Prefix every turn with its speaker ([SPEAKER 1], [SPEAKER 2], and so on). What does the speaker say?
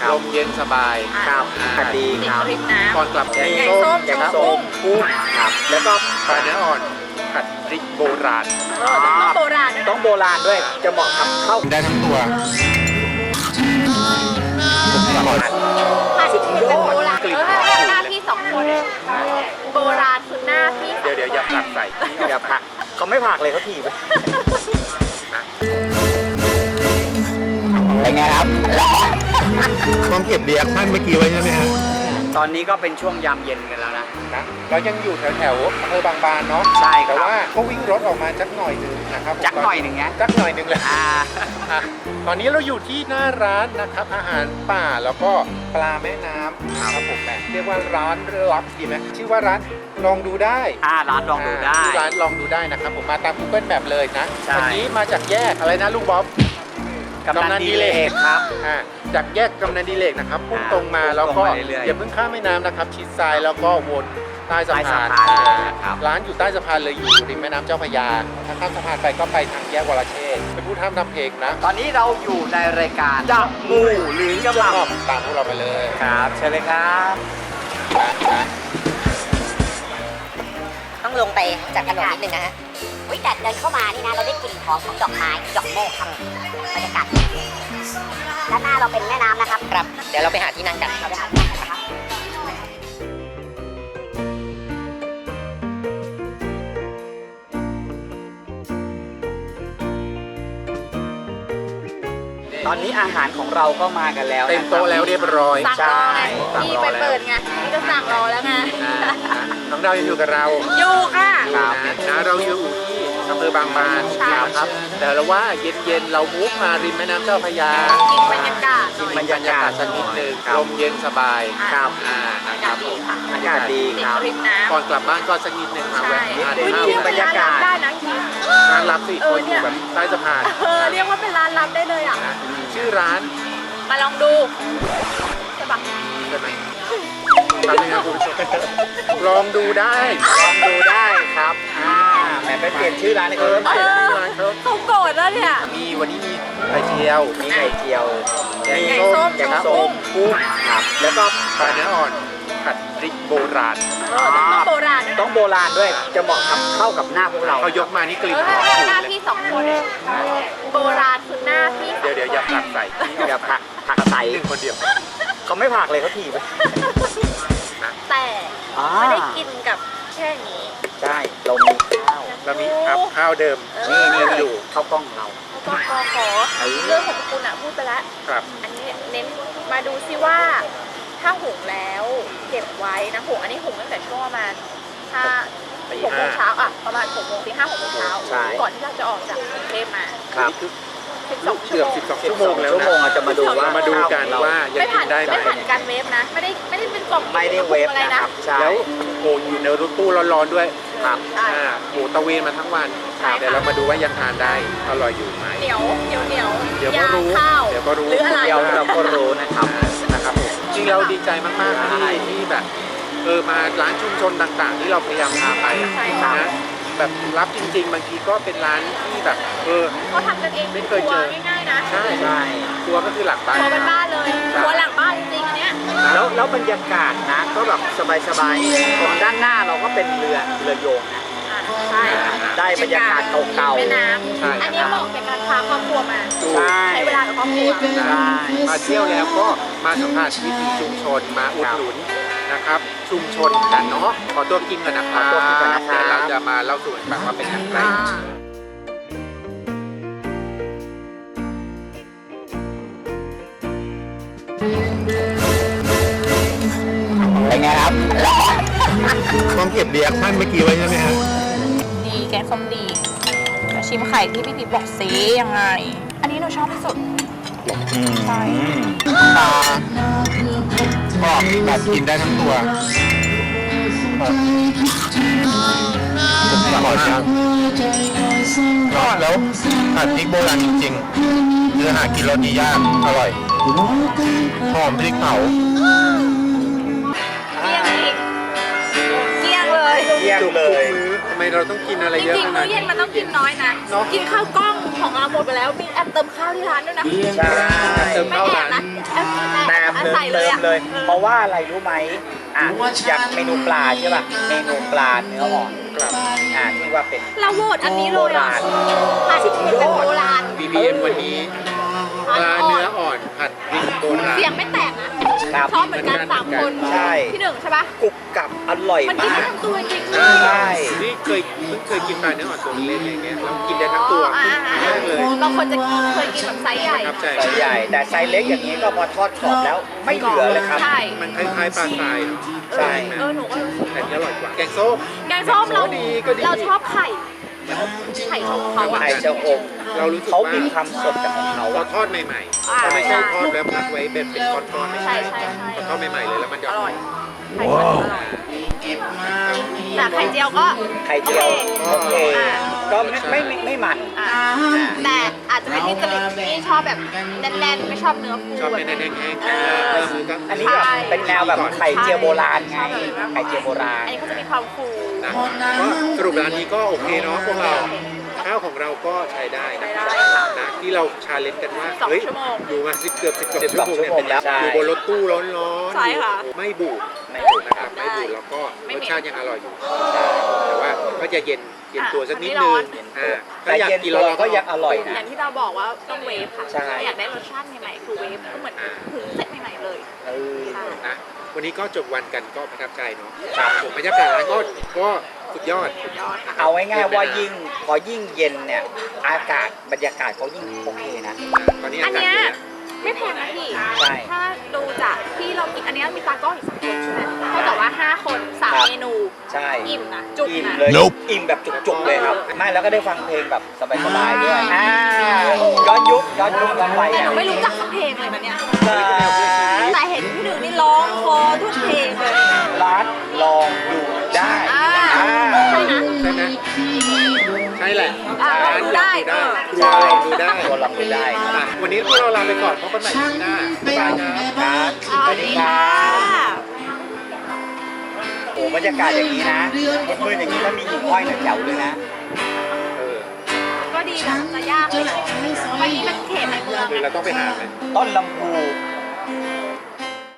[SPEAKER 1] ลมเย็นสบาย
[SPEAKER 2] ครับอากาศดีครับ
[SPEAKER 1] ก่อนกลับแกงส้มกุ้งครับแล้วก็ปลาเนื้ออ่อนผัดพริกโบราณ
[SPEAKER 3] ต้องโบราณ
[SPEAKER 2] ต้องโบราณด้วยจะเหมาะกับข้าว
[SPEAKER 1] ได้ทั้งตัว
[SPEAKER 3] ผัดแบบโบราณหน้าพี่2 คนโบราณคือหน้าพี่
[SPEAKER 1] เดี๋ยวอย่าผักใส่
[SPEAKER 2] อย่าผักเขาไม่ผักเลยเขาถีบเป็นไงครับ
[SPEAKER 1] ต้องเก็บเรียกท่านเมื่อกี้ไว้ใช่ไหมฮะ
[SPEAKER 2] ตอนนี้ก็เป็นช่วงยามเย็นกันแล้วนะ
[SPEAKER 1] เรายังอยู่แถวอำเภอบางบานเนาะ
[SPEAKER 2] ใช่ครับ
[SPEAKER 1] แต่ว่าก็วิ่งรถออกมาจักหน่อยนึงนะครับ
[SPEAKER 2] จักหน่อยหนึ่งไง
[SPEAKER 1] จักหน่อยนึงเลยตอนนี้เราอยู่ที่หน้าร้านนะครับอาหารป่าแล้วก็ปลาแม่น้ำครับผมแม่เรียกว่าร้านลับดีไหมชื่อว่าร้านลองดูได้
[SPEAKER 2] ร้านลองดูได้
[SPEAKER 1] ร้านลองดูได้นะครับผมมาตาม Google Map เลยนะ
[SPEAKER 2] ใช่
[SPEAKER 1] วันนี้มาจากแยกอะไรนะลุงบ๊อบ
[SPEAKER 2] กำนันดีเลกครับ
[SPEAKER 1] จากแยกกำนันดีเลกนะครับพุ่งตรงมาแล้วก็
[SPEAKER 2] เรื่อยๆ
[SPEAKER 1] อย่าเพิ่งข้ามแม่น้ำนะครับชิดซ้ายแล้วก็วนใต้สะพาน
[SPEAKER 2] ครับ
[SPEAKER 1] ร้านอยู่ใต้สะพานเลยอยู่ริมแม่น้ำเจ้าพระยาถ้าข้ามสะพานไปก็ไปทางแยกวรเชษฐ์เป็นผู้ทำเพลงนะ
[SPEAKER 2] ตอนนี้เราอยู่ในรายการจะมูหรือกระหม่ำ
[SPEAKER 1] ตามพวกเราไปเลย
[SPEAKER 2] ครับเชิญเลยครับ
[SPEAKER 4] ต้องลงไปจากถนนนิดนึงนะฮะวิแต่เดินเข้ามานี่นะ เราได้กลิ่นหอมของดอกไม้ดอกโมกครับบรรยากาศด้านหน้าเราเป็นแม่น้ำนะครับครับ เดี๋ยวเราไปหาที่นั่งกันเราไปหาที่นั่งกันนะครับ
[SPEAKER 2] ตอนนี้อาหารของเราก็มากันแล้ว
[SPEAKER 1] เต็มโต๊ะแล้วเรียบร้อย
[SPEAKER 3] สั่งรอไงพี่ไปเปิดไงพี่ก็สั่งรอแล้วไง
[SPEAKER 1] น้องดาวยังอยู่กับเรา
[SPEAKER 3] อยู่ค่ะ
[SPEAKER 1] นะเราอยู่ที่อำเภอบางบาน
[SPEAKER 3] ใช่
[SPEAKER 1] ครับแต่เราว่าเย็นๆเรามุกมาริมแม่น้ำเจ้าพระยา
[SPEAKER 3] กินบรรยากาศหน่อย
[SPEAKER 1] บรรยากาศสักนิดนึงลมเย็นสบาย
[SPEAKER 2] ครับ
[SPEAKER 3] อากาศดีค่ะ
[SPEAKER 2] อากาศดี
[SPEAKER 3] ติด
[SPEAKER 2] ครับ
[SPEAKER 3] ริมน้ำ
[SPEAKER 1] ก่อนกลับบ้านก็สักนิดนึงมา
[SPEAKER 3] ใช่
[SPEAKER 1] แวะทาน
[SPEAKER 3] อุ้ย
[SPEAKER 1] ข้าว
[SPEAKER 3] เรียกเป็นร้านลับได้นะจริง
[SPEAKER 1] ร้านลับสิคนอยู่แบบใต้สะพาน
[SPEAKER 3] เรียกว่าเป็นร้านลับได้เลยอ่ะ
[SPEAKER 1] ชื่อร้าน
[SPEAKER 3] มาลองดูใช่ปะ
[SPEAKER 1] ใช่ไหมทำยังไงคุณผู้ชมลองดูได้
[SPEAKER 2] ลองดูได้ครับแหมไปเปลี่ยนชื่อร้านให้เขาแล้ว
[SPEAKER 3] เขาโกรธแล้วเนี่ย
[SPEAKER 1] มีวันนี้มีไข่เจียว
[SPEAKER 2] มีไข่เจียว
[SPEAKER 1] แกง
[SPEAKER 3] ไก่
[SPEAKER 1] ส้
[SPEAKER 3] ส้
[SPEAKER 1] ม
[SPEAKER 3] ม
[SPEAKER 2] แกง
[SPEAKER 3] กับ
[SPEAKER 2] ส้
[SPEAKER 3] กุ้
[SPEAKER 2] ม
[SPEAKER 3] ง
[SPEAKER 2] กุ้งครับ แล้วก็
[SPEAKER 1] ปลาเนื้ออ่อนผัดพริกโบราณ
[SPEAKER 3] ต้องโบราณด้วย
[SPEAKER 2] ต้องโบราณด้วยจะเหมาะกับเข้ากับหน้าพวกเรา
[SPEAKER 1] เขายกมานี่กลิ่นหอม
[SPEAKER 3] หน้าพี่2 คนโบราณคือหน้าพี่
[SPEAKER 1] เดี๋ยวอย่าผักใส่
[SPEAKER 2] อย่าผักใส่
[SPEAKER 1] หนึ่งคนเดียว
[SPEAKER 2] เขาไม่ผักเลยเขาถีบ
[SPEAKER 3] แต่ไม่ได้กินกับแค่นี้
[SPEAKER 2] ใช่เรามีข้าว
[SPEAKER 1] เรามีอัพข้าวเดิม
[SPEAKER 2] นี่
[SPEAKER 1] อ
[SPEAKER 2] อยู่ ยู่ข้าวกล้องเรา
[SPEAKER 3] ก็ขอเรื่องของคุณอ่ะพูดไปแล้ว
[SPEAKER 1] ครับ
[SPEAKER 3] อันนี้เน้นมาดูซิว่าถ้าหุงแล้วเก็บไว้นะหุงอันนี้หุงตั้งแต่ช่วงประมาณถ้า6 โมงเช้าอ่ะประมาณ6 โมงตี 5 6 โมงเช้าก่อนที่เราจะออกจากกรุงเทพมา
[SPEAKER 2] ครับ
[SPEAKER 1] นี่คือ
[SPEAKER 3] 12 ชั่
[SPEAKER 1] เกื
[SPEAKER 3] ว
[SPEAKER 1] อบ
[SPEAKER 3] โมง
[SPEAKER 1] 12 ชั่วโมงแล้ว
[SPEAKER 2] ชั่วโมง
[SPEAKER 1] นะ
[SPEAKER 2] จะมาดูว่า
[SPEAKER 1] มาดูกันว่ายัง
[SPEAKER 3] ไม่
[SPEAKER 1] กิ
[SPEAKER 3] ผ่าน
[SPEAKER 1] นได้ไหม
[SPEAKER 3] ไม่ผ่านการเวฟนะไม่ได้เป็นกล่อง
[SPEAKER 2] ไม่ได้เวฟ
[SPEAKER 3] อะไร
[SPEAKER 2] นะ
[SPEAKER 3] นะครับ
[SPEAKER 2] ใช่
[SPEAKER 1] แล้วโอ้อยู่ในรถตู้ร้อนๆด้วย
[SPEAKER 2] ครับ
[SPEAKER 1] หมูตะเวนมาทั้งวันเดี๋ยวเรามาดูว่ายังทานได้อร่อยอยู่ไหม
[SPEAKER 3] เหนียว
[SPEAKER 1] เดี๋ยวก็
[SPEAKER 3] ยาง
[SPEAKER 1] รู้
[SPEAKER 3] ข้าว
[SPEAKER 1] เดี๋ยวก็รู้
[SPEAKER 3] หรืออะไร
[SPEAKER 2] เดี๋ยวเราก็รู้นะครับ
[SPEAKER 1] นะครับผมจริงเราดีใจมากๆที่แบบมาร้านชุมชนต่างๆ ที่เราพยายามพาไปอะ
[SPEAKER 3] ใช่ค่ะ
[SPEAKER 1] นะแบบรับจริง ๆ บางทีก็เป็นร้านที่แบบ
[SPEAKER 3] เขาทำกันเอง
[SPEAKER 1] ไม่เคยเจอ
[SPEAKER 3] ครัวง่ายๆนะ
[SPEAKER 1] ใช่
[SPEAKER 2] ใช่
[SPEAKER 1] ครัวก็คือหลักบ้าน
[SPEAKER 3] ครัวเป็นบ้านเลย
[SPEAKER 1] ใช่
[SPEAKER 3] ครัวหลังบ้านจริงๆอันเนี้ย
[SPEAKER 2] แล้วบรรยากาศนะก็แบบสบายๆตรงด้านหน้าเราก็เป็นเรือโยงนะ
[SPEAKER 3] ใช่
[SPEAKER 2] ได้บรรยากาศเก่าๆ
[SPEAKER 3] แม่น้ำอันนี้เหมาะกับการพาครอบครัวมา
[SPEAKER 2] ใช่
[SPEAKER 3] ใช้เวลากับครอบครัว
[SPEAKER 2] ใช่
[SPEAKER 1] มาเที่ยวแล้วก็มาสัมผัสวิถีชุมชนมาอุดหนุนนะครับ ชุมชนกันเนาะขอตัวกินก่อนนะครับ
[SPEAKER 2] ขอตัวกินก่อนนะครับ
[SPEAKER 1] เดี๋ยวเราจะมาเล่าสู่กันฟังว่าเป็นอย่างไร
[SPEAKER 2] เป็นไงครับ
[SPEAKER 1] ต้องเก็บเรียกท่านเมื่อกี้ไว้ใช่ไหมฮะ
[SPEAKER 3] ดีแกงส้มดีมาชิมไข่ที่พี่พีบอกซียังไง อันนี้หนูชอบที่สุดใช่
[SPEAKER 1] ปลาก็แบบกินได้ทั้งตัวอร่อยจังทอดแล้วผัดพริกโบราณจริงๆเนื้อหากินรสดียากอร่อยหอมพริกเผา
[SPEAKER 3] เกลี้ยงเลย
[SPEAKER 2] เยี่ยมเลย
[SPEAKER 1] ทำไมเราต้องกินอะไร
[SPEAKER 3] จ
[SPEAKER 1] เยอะ
[SPEAKER 3] ริง
[SPEAKER 1] ข
[SPEAKER 3] ๆ
[SPEAKER 1] นา
[SPEAKER 3] มื้
[SPEAKER 1] ด
[SPEAKER 3] อเย็
[SPEAKER 1] นี้
[SPEAKER 3] นมันต้องกินน้อยนะ กินข้าวกล้องของเราหมดไปแล้วมีแอบเติมข้าวที่ร้านด้วยนะ
[SPEAKER 2] ใช่
[SPEAKER 1] เติม
[SPEAKER 3] ไม่
[SPEAKER 1] ข้าว
[SPEAKER 3] แอ
[SPEAKER 1] ร้า
[SPEAKER 3] บ
[SPEAKER 1] น
[SPEAKER 3] นะแอบ
[SPEAKER 2] แต่
[SPEAKER 3] ใส่เลยอะ
[SPEAKER 2] เลย เพราะว่าอะไรรู้ไหมอย่างเมนูปลาใช่ป่ะเมนูปลาเนื้ออ่อน
[SPEAKER 1] ครับ
[SPEAKER 2] ที่ว่าเป็น
[SPEAKER 3] เราโหวตอันนี้เลยอ่ะผัดพริกแบบโบราณ
[SPEAKER 1] BBM วันนี้ปลาเนื้ออ่อนผัดพริกโบราณ
[SPEAKER 3] เสียงไม่แตกนะ
[SPEAKER 2] ครับ
[SPEAKER 3] ชอบเหมือนกันสามคน
[SPEAKER 2] ใช่
[SPEAKER 3] ที่หนึ่งใช่ปะ
[SPEAKER 2] กรุบกรับอร่อย
[SPEAKER 3] มันกิน
[SPEAKER 2] มา
[SPEAKER 3] ได้
[SPEAKER 2] ก
[SPEAKER 3] ทั้งตัวจริง
[SPEAKER 2] ใช่
[SPEAKER 1] นี่เพิ่งเคยกินปลาเนื้ออ่อนตัวเล็กๆอย่างเงี้ยแล้วกินได้ทั้งตัว
[SPEAKER 3] อ่า
[SPEAKER 1] มากเลย
[SPEAKER 3] บางคนจะเคยกินแบบไซส์ใหญ่
[SPEAKER 1] ครับใจ
[SPEAKER 2] ไซส์ใหญ่ แต่ไซส์เล็กอย่างนี้ก็พอทอดกรอบแล้วไม่เหลือเลยครับ
[SPEAKER 3] ใช่
[SPEAKER 1] มันคล้ายๆปลาทรายเนาะ
[SPEAKER 2] ใช่
[SPEAKER 3] เออหนูก็รู้สึก
[SPEAKER 1] แต่อันนี้อร่อยกว่าแกงส้ม
[SPEAKER 3] แกงส้มเรา
[SPEAKER 1] ก็ดีก็ดี
[SPEAKER 3] เราชอบไข่ไข่ชมเขาอะ
[SPEAKER 2] ไข่เจ้าอม
[SPEAKER 1] เรารู้สึก
[SPEAKER 2] เขา
[SPEAKER 1] ว่า
[SPEAKER 2] มีความสดจากของเขา
[SPEAKER 1] เรา
[SPEAKER 2] อะ
[SPEAKER 1] ทอดใหม่
[SPEAKER 3] อ่า
[SPEAKER 1] ๆเราไม่ใช่
[SPEAKER 3] ใช่
[SPEAKER 1] ทอดแล้วพักไว้เป็นก้อนๆไม่
[SPEAKER 3] ใช่
[SPEAKER 1] ใช่
[SPEAKER 3] ใช่ใช่
[SPEAKER 1] เราทอดใหม่ๆเลยแล้วมันจะ
[SPEAKER 3] อร่อยไข่เจียวอร่อยแต่ไข่เจียวก็
[SPEAKER 2] ไข่เจียวโอเค
[SPEAKER 3] อ่า
[SPEAKER 2] ก็ไม่มัน
[SPEAKER 3] อ่าแต่อาจจะเป็นที่จริตที่ชอบแบบแน่นๆไม่ชอบเนื้อฟู
[SPEAKER 1] ชอบ
[SPEAKER 3] แบบ
[SPEAKER 1] เป็นแห้งๆ
[SPEAKER 3] เออ
[SPEAKER 2] อันนี้แบบเป็นแนวแบบไข่เจียวโบราณไง ไข่เจียวโบราณ
[SPEAKER 3] อันนี้เขาจะมีความฟู
[SPEAKER 1] นะก็สรุปร้านนี้ก็โอเคเนาะพวกเราข้าวของเราก็ใช้ได้นะ
[SPEAKER 3] ใช้ได้ค่ะ
[SPEAKER 1] นะที่เราชาเลนจ์กันว่า
[SPEAKER 3] สอง
[SPEAKER 1] เฮ้ย
[SPEAKER 3] ชั่วโมง
[SPEAKER 1] อยู่มาเกือบ10ชั่วโมง
[SPEAKER 2] ชั่วโมงแล้วใช่
[SPEAKER 1] อยู่บนรถตู้ร้อนๆ
[SPEAKER 3] ใช่ค่ะ
[SPEAKER 1] ไม่บูด
[SPEAKER 2] ไม่บูด
[SPEAKER 1] นะครับ
[SPEAKER 3] ได้
[SPEAKER 1] ไม่บูดแล้วก็
[SPEAKER 3] ไม่
[SPEAKER 1] ร
[SPEAKER 3] เหม็
[SPEAKER 1] ส
[SPEAKER 3] น
[SPEAKER 1] ชาติยังอร่อยอยู่แต่ว่าก็จะเย็นตัวสักนิด
[SPEAKER 3] ไม่ร้
[SPEAKER 1] นึ
[SPEAKER 3] อง น
[SPEAKER 1] ถ้า
[SPEAKER 2] แต่
[SPEAKER 1] อยาก
[SPEAKER 2] เย็น
[SPEAKER 1] กิน
[SPEAKER 2] ตัว
[SPEAKER 1] ร้อนๆ
[SPEAKER 2] ก็ยังอร่อย
[SPEAKER 3] อ
[SPEAKER 2] นะ
[SPEAKER 3] ย่างที่เราบอกว่าต้องเวฟค่ะ
[SPEAKER 2] ใช่
[SPEAKER 3] อยากได้รสชาติใหม่ๆคือเวฟก็เหมือนหุงเสร็จใหม่ๆเลย
[SPEAKER 2] เออ
[SPEAKER 3] ใช่
[SPEAKER 1] นะวันนี้ก็จบวันกันก็ประทับใจเนาะผมบรรยากาศร้านก็สุดยอด
[SPEAKER 3] ยอดค่ะ
[SPEAKER 2] เอาง่ายๆว่าพอยิ่งเย็นเนี่ยอากาศบรรยากาศเขายิ่งโอเคนะ
[SPEAKER 1] ตอนนี้
[SPEAKER 3] อั
[SPEAKER 1] อาน กาศ
[SPEAKER 3] เนี้ย
[SPEAKER 1] ดีนะ
[SPEAKER 3] ไม่แพงนะพี่
[SPEAKER 2] ใช่
[SPEAKER 3] ถ้าดูจากที่เรากินอันเนี้ยมีตากล้องอีกสักคนใช่ไหมเท่ากับว่า 5 คน 3 เมนู
[SPEAKER 2] ใช่
[SPEAKER 3] อิ่มนะ จุก
[SPEAKER 2] อิ่ม
[SPEAKER 3] นะ
[SPEAKER 2] เลยอิ่มแบบจุกๆเลยครับไม่แล้วก็ได้ฟังเพลงแบบสบายๆด้วยย้อนยุคกันไป
[SPEAKER 3] แต่ห
[SPEAKER 2] อ่ะ
[SPEAKER 3] นูไม่รู้จักสักเพลงเลยนะเนี่ย
[SPEAKER 2] ร้าน
[SPEAKER 3] แต่เห็นพี่หนึ่งนี่ร้องคอทุกเพลงเลย
[SPEAKER 2] ร้านลองดูได้
[SPEAKER 3] อ่า
[SPEAKER 2] อ่า
[SPEAKER 3] ใช่นะ
[SPEAKER 1] ใช่ไหมใช่แหละ
[SPEAKER 3] อ่าลองดูได้
[SPEAKER 1] ร้านลองดูได้
[SPEAKER 2] ตัวลองดูได้ครับ
[SPEAKER 1] อ่ะวันนี้พวกเราลาไปก่อนพบกันใหม่ครั้งหน้าบ๊ายบายครับ
[SPEAKER 2] ครับ
[SPEAKER 3] สวัสดีค่ะ
[SPEAKER 2] โอ้บรรยากาศอย่างนี้นะมืดๆอย่างนี้ถ้ามีหิ่งห้อยเนี่ยแจ๋วเลยนะ
[SPEAKER 1] เออ
[SPEAKER 3] ก็ดีนะจะยากเลยวันนี้มันเขตในเมือง
[SPEAKER 1] คือเราต้องไปหาไหม
[SPEAKER 2] ต้นลำพู